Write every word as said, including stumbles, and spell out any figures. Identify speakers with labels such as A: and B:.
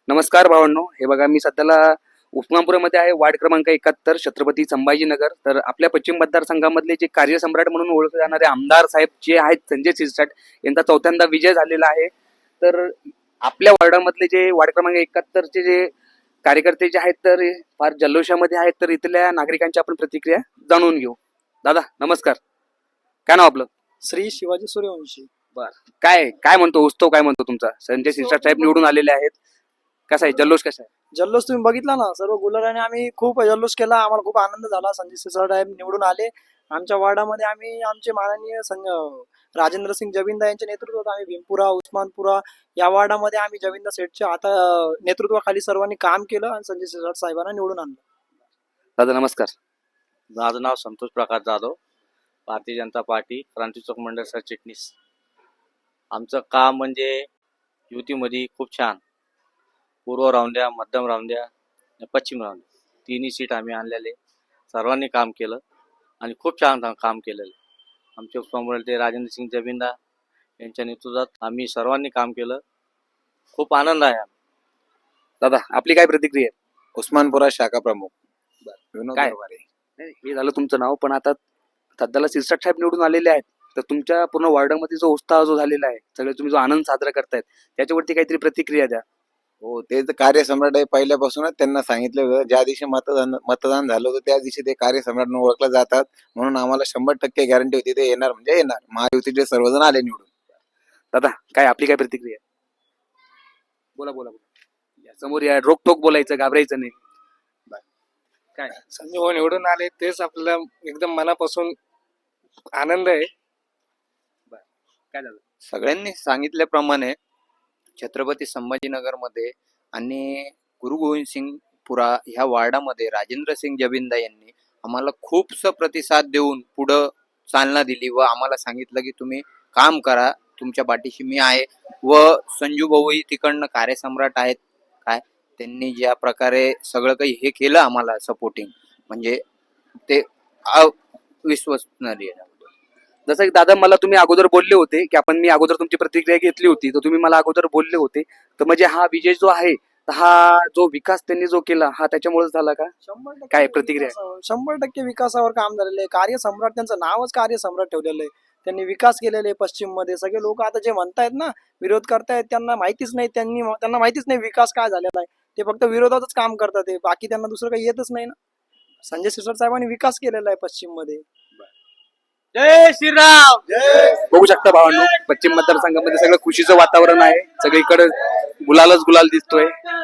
A: नमस्कार भावांनो, हे बघा मी सध्याला उस्मानपुरामध्ये आहे, वार्ड क्रमांक एकाहत्तर, छत्रपती संभाजीनगर. तर आपल्या पश्चिम मतदारसंघामधले जे कार्यसम्राट म्हणून ओळखले जाणारे आमदार साहेब जे आहेत संजय शिरसाट यांचा चौथ्यांदा विजय झालेला आहे. तर आपल्या वार्डामधले जे वार्ड क्रमांक एकाहत्तरचे जे कार्यकर्ते जे आहेत तर फार जल्लोषामध्ये आहेत. तर इथल्या नागरिकांची आपण प्रतिक्रिया जाणून घेऊ. दादा नमस्कार, काय नाव आपलं?
B: श्री शिवाजी सूर्यवंशी.
A: बर, काय काय म्हणतो उत्सव, काय म्हणतो तुमचा? संजय शिरसाट साहेब निवडून आलेले आहेत, कसा आहे जल्लोष, कसा आहे?
B: जल्लोष तुम्ही बघितला ना, सर्व गुलाराने आम्ही खूप जल्लोष केला. आम्हाला खूप आनंद झाला. संजय सिरसाट साहेब निवडून आले. आमच्या वार्डामध्ये आम्ही आमचे माननीय राजेंद्र सिंग जबिंदा यांच्या नेतृत्वात आम्ही भीमपुरा, उस्मानपुरा या वार्डामध्ये आम्ही जबिंदा सेठच्या आता नेतृत्वाखाली सर्वांनी काम केलं आणि संजय सिरसाट साहेबांना निवडून आणलं.
A: दादा नमस्कार.
C: माझं नाव संतोष प्रकाश जाधव, भारतीय जनता पार्टी क्रांती चौक मंडळ सरचिटणीस. आमचं काम म्हणजे युतीमध्ये खूप छान, पूर्व राहून द्या, मध्यम राहून द्या, पश्चिम राहून द्या, तिन्ही सीट आम्ही आणलेले. सर्वांनी काम केलं आणि खूप छान काम केलेलं. आमचे उस्मानाबादचे राजेंद्र सिंग जबिंदा यांच्या नेतृत्वात आम्ही सर्वांनी काम केलं. खूप आनंद आहे.
A: दादा आपली काय प्रतिक्रिया आहे?
D: उस्मानपुरा शाखा प्रमुख विनोद
A: काय?
D: दरबारे.
A: नाही, हे झालं तुमचं नाव, पण आता सध्याला सिरसाट साहेब निवडून आलेले आहेत. तर तुमच्या पूर्ण वार्डामध्ये जो उत्साह जो झालेला आहे, सगळे तुम्ही जो आनंद साजरा करतायत त्याच्यावरती काहीतरी प्रतिक्रिया द्या.
D: हो, ते तर कार्यसम्राट आहे. पहिल्यापासूनच त्यांना सांगितलं होतं, ज्या दिवशी मतदान मतदान झालं होतं त्या दिवशी ते कार्यसम्राट म्हणून ओळखले जातात. म्हणून आम्हाला शंभर टक्के गॅरंटी होती ते येणार म्हणजे येणार. महायुतीचे सर्वजण आले निवडून.
A: दादा काय आपली काय प्रतिक्रिया? बोला बोला बोला, या समोर या, रोकटोक बोलायचं, घाबरायचं नाही. काय
B: संजय भाऊ निवडून आले तेच आपल्याला एकदम मनापासून आनंद आहे.
A: काय झालं?
E: सगळ्यांनी सांगितल्याप्रमाणे छत्रपती संभाजीनगरमध्ये आणि गुरु गोविंद सिंगपुरा ह्या वार्डामध्ये राजेंद्र सिंग जबिंदा यांनी आम्हाला खूपसा प्रतिसाद देऊन पुढं चालना दिली व आम्हाला सांगितलं की तुम्ही काम करा, तुमच्या पाठीशी मी आहे. व संजू भाऊही तिकडनं कार्यसम्राट आहेत. काय त्यांनी ज्या प्रकारे सगळं काही हे केलं आम्हाला सपोर्टिंग, म्हणजे ते अविश्वसनीय.
A: जसं की दादा मला तुम्ही अगोदर बोलले होते की आपण मी अगोदर तुमची प्रतिक्रिया घेतली होती, तर तुम्ही मला अगोदर बोलले होते तर म्हणजे हा विजय जो आहे, तर हा जो विकास त्यांनी जो केला हा त्याच्यामुळेच झाला का?
B: शंभर टक्के
A: काय प्रतिक्रिया?
B: विकासावर- शंभर टक्के विकासावर काम झालेलं आहे. कार्यसम्राट त्यांचं नावच कार्यसम्राट ठेवलेलं आहे. त्यांनी विकास केलेले आहे पश्चिम मध्ये. सगळे लोक आता जे म्हणतायत ना, विरोध करतायत, त्यांना माहितीच नाही, त्यांनी त्यांना माहितीच नाही विकास काय झालेला आहे. ते फक्त विरोधातच काम करतात, ते बाकी त्यांना दुसरं काही येतच नाही ना. संजय सिरसाट साहेबांनी विकास केलेला आहे पश्चिम मध्ये.
C: जय श्रीराम.
A: बघू शकता भावांनो, पश्चिम मतदारसंघामध्ये सगळं खुशीचं वातावरण आहे. सगळीकडे गुलालच गुलाल दिसतोय.